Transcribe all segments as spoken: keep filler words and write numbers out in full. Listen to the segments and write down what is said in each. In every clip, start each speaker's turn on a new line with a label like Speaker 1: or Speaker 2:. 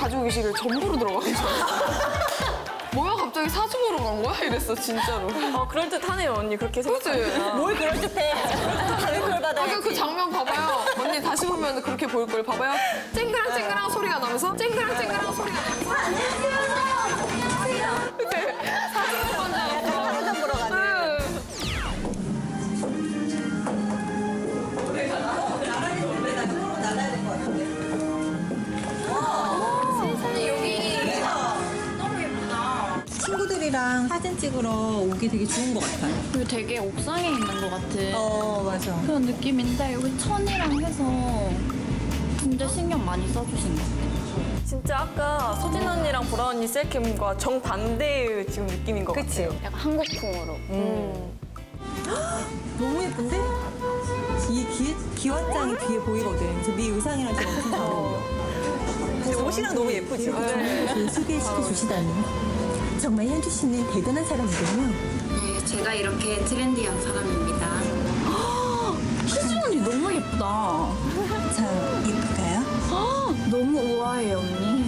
Speaker 1: 가지고 계시길 전부로 들어가는 줄 알았어. 뭐야 갑자기 사주보러 간 거야? 이랬어 진짜로.
Speaker 2: 어, 그럴듯하네요 언니 그렇게
Speaker 1: 그치?
Speaker 2: 생각하니까.
Speaker 3: 뭘 그럴듯해. 다른 걸
Speaker 1: 아까
Speaker 3: 받아야지.
Speaker 1: 그 장면 봐봐요. 언니 다시 보면 그렇게 보일 걸 봐봐요. 쨍그랑 쨍그랑 소리가 나면서 쨍그랑 쨍그랑 소리가 나면서. 안녕하세요. 그치? 사주보러 간다고.
Speaker 3: 사람 보러 가네.
Speaker 4: 친구들이랑 사진 찍으러 오기 되게 좋은 것 같아요.
Speaker 5: 여기 되게 옥상에 있는 것 같은
Speaker 3: 어, 맞아.
Speaker 5: 그런 느낌인데 여기 천이랑 해서 진짜 신경 많이 써주신 것 같아요.
Speaker 2: 진짜 아까 소진 언니랑 보라 언니 셀캠과 정반대의 지금 느낌인 것
Speaker 3: 그치?
Speaker 2: 같아요.
Speaker 5: 약간 한국풍으로.
Speaker 2: 음.
Speaker 4: 너무 예쁜데? 이 기, 기왓장이 뒤에 보이거든. 그래서 네 의상이랑 지금 엄청 잘 어울려.
Speaker 3: 근데 옷이랑 너무 예쁘지?
Speaker 4: 저를 소개시켜 주시다니. 정말 현주 씨는 대단한 사람이군요.
Speaker 5: 네, 제가 이렇게 트렌디한 사람입니다. 희준 언니 너무 예쁘다.
Speaker 4: 자, 예쁠까요?
Speaker 5: 너무 우아해요 언니.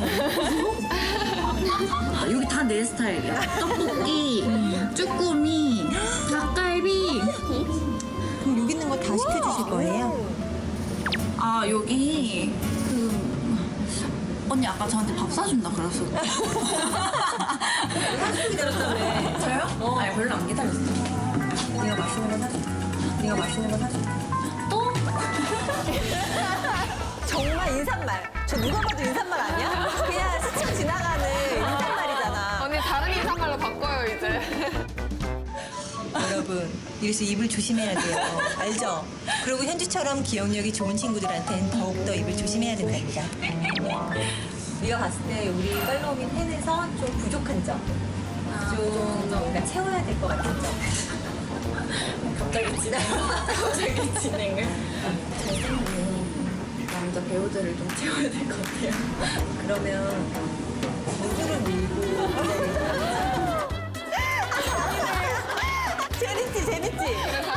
Speaker 5: 여기 다 내 스타일이야. 떡볶이, 쭈꾸미, 닭갈비.
Speaker 4: 그럼 여기 있는 거 다 시켜주실 거예요?
Speaker 5: 아 여기 그 언니 아까 저한테 밥 사준다 그랬어.
Speaker 3: 기다렸다며.
Speaker 5: 저요? 어. 아니 별로 안 기다렸어.
Speaker 3: 네가 맛있는 거 사줘. 네가 맛있는 거 사줘.
Speaker 5: 또?
Speaker 3: 정말 인사말. 저 누가 봐도 인사말 아니야? 그냥 스쳐 지나가는 인사말이잖아.
Speaker 1: 언니 다른 인사말로 바꿔요 이제.
Speaker 4: 여러분, 이래서 입을 조심해야 돼요. 알죠? 그리고 현주처럼 기억력이 좋은 친구들한테는 더욱더 입을 조심해야 된답니다.
Speaker 3: 우리가 봤을 때 우리 팔로우민 텐에서 좀 부족한 점. 좀 뭔가 채워야 될 것 같은 점.
Speaker 5: 갑자기 진행. 갑자기 진행을. 잘생긴 남자 배우들을 좀 채워야 될 것 같아요.
Speaker 3: 그러면 누구를 밀고 재밌지 재밌지.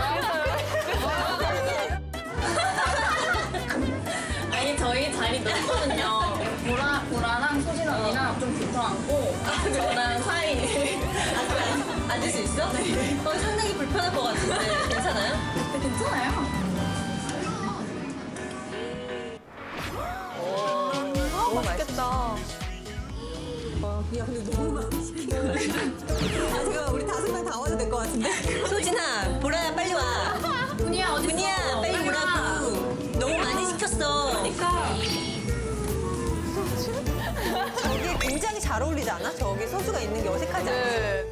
Speaker 5: 아니 저희 자리 넓거든요. 보라 보라랑 소진 언니랑 좀 붙어 앉고 저랑 사이.
Speaker 3: 앉을 수 있어? 네. 어, 상당히 불편할 것 같은데 괜찮아요?
Speaker 5: 네, 괜찮아요.
Speaker 3: 너무 맛있겠다.
Speaker 4: 야, 근데 너무 많이 시킨 거야. 아, 잠깐만, 우리 다섯 명 다 와도 될 것 같은데?
Speaker 3: 소진아, 보라야 빨리 와.
Speaker 5: 분이야 어디
Speaker 3: 분이야 빨리 오라고. 너무 많이 시켰어. 그러니까. 저게 굉장히 잘 어울리지 않아? 저기 소주가 있는 게 어색하지 않아?
Speaker 1: 네.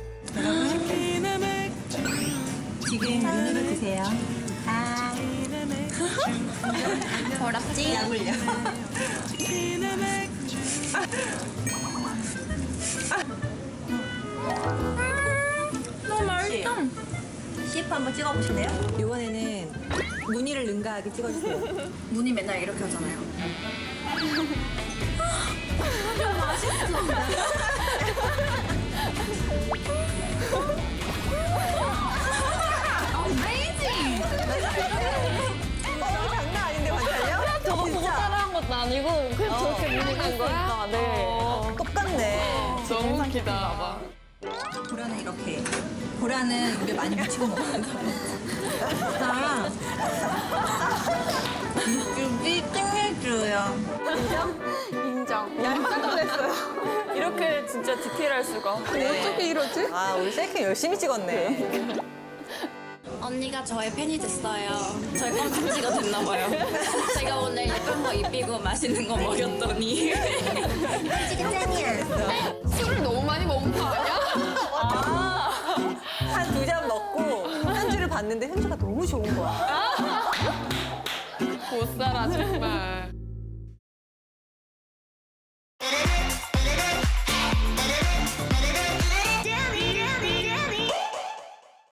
Speaker 4: 지금 눈으로 드세요. 아,
Speaker 5: 더럽지?
Speaker 4: 약 올려.
Speaker 5: 너무 맛있다.
Speaker 3: 씨에프 한번 찍어보실래요?
Speaker 4: 이번에는 무늬를 능가하게 찍어주세요.
Speaker 5: 문이 맨날 이렇게 하잖아요.
Speaker 3: 어, 장난 아닌데 관찰력?
Speaker 2: 저거 보고 따라한 것도 아니고 그냥 저렇게 무늬한 거야? 네.
Speaker 3: 똑같네.
Speaker 1: 너무 웃기다. 봐.
Speaker 4: 보라는 이렇게. 보라는 입에 많이 묻히고 먹어요. 자, 육즙이 끝내줘요.
Speaker 1: 인정.
Speaker 3: 깜짝 놀랐어요.
Speaker 2: 이렇게 진짜 디테일할 수가.
Speaker 1: 어떻게 이러지?
Speaker 3: 아, 우리 셀카 열심히 찍었네.
Speaker 5: 언니가 저의 팬이 됐어요. 저의 껌딱지가 됐나 봐요. 제가 오늘 예쁜 거 입히고 맛있는 거 먹였더니.
Speaker 1: 술을 너무 많이 먹은 거 아니야?
Speaker 3: 한 두 잔 먹고 현주를 봤는데 현주가 너무 좋은 거야.
Speaker 1: 못 살아 정말.